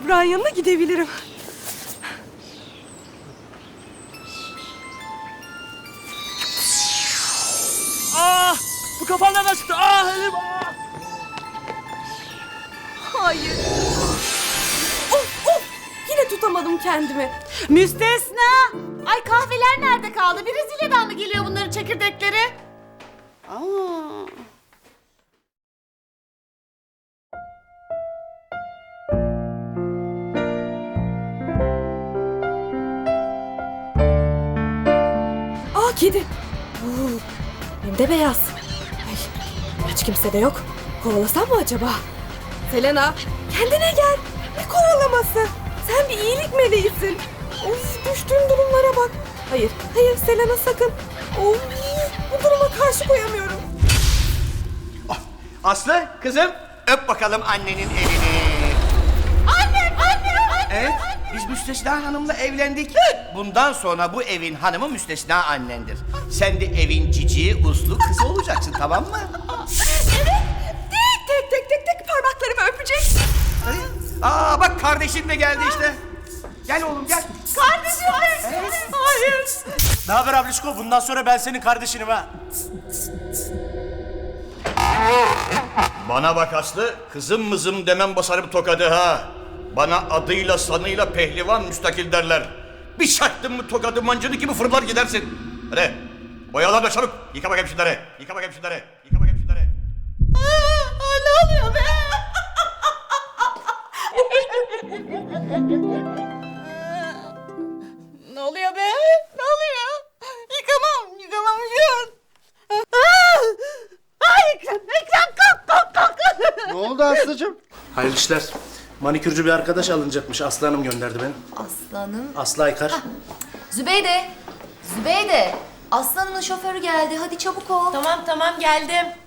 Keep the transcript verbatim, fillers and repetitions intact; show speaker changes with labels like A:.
A: Burak'ın yanına gidebilirim.
B: Ah! Bu kafam nereden çıktı? Ah elim! Ah!
A: Hayır. Of of! Yine tutamadım kendimi.
C: Müstesna! Ay kahveler nerede kaldı? Brezilya'dan mı geliyor bunların çekirdekleri?
D: Aa.
A: Aa kedi. Oo, hem de beyaz. Ay, hiç kimse de yok. Kovalasam mı acaba? Selena, kendine gel. Ne kovalaması? Sen bir iyilik meleğisin. Of, düştüğüm durumlara bak. Hayır, hayır Selena sakın. Of, bu duruma karşı koyamıyorum.
E: Aslı, kızım öp bakalım annenin elini.
C: Annem, annem, annem!
E: Evet, biz Müstesna Hanım'la evlendik. Bundan sonra bu evin hanımı Müstesna annendir. Sen de evin cici, uslu kızı olacaksın, tamam mı?
A: Tek tek tek tek tek parmaklarımı öpeceksin.
E: Hadi. Aa bak kardeşin de geldi işte. Gel oğlum gel.
C: Kardeşim! Hayır!
B: Ne haber ablişko? Bundan sonra ben senin kardeşinim ha.
E: Bana bak Aslı, kızım mızım demem basarım tokadı ha. Bana adıyla sanıyla pehlivan müstakil derler. Bir çaktın mı tokadı mancını gibi fırlar gidersin. Hadi boyalarla çabuk. Yıka bakayım şunları. Yıka bakayım şunları. Yıka bakayım şunları.
C: Aa, ne oluyor be? Ne oluyor be? Ne oluyor? Yıkamam, yıkamam şu an. Ay Ekrem, Ekrem kalk kalk kalk.
F: Ne oldu Aslı'cığım?
B: Hayırlı işler. Manikürcü bir arkadaş alınacakmış. Aslı Hanım gönderdi beni.
G: Aslanım.
B: Aslı Aykar.
G: Zübeyde. Zübeyde. Aslanımın şoförü geldi. Hadi çabuk ol.
C: Tamam tamam geldim.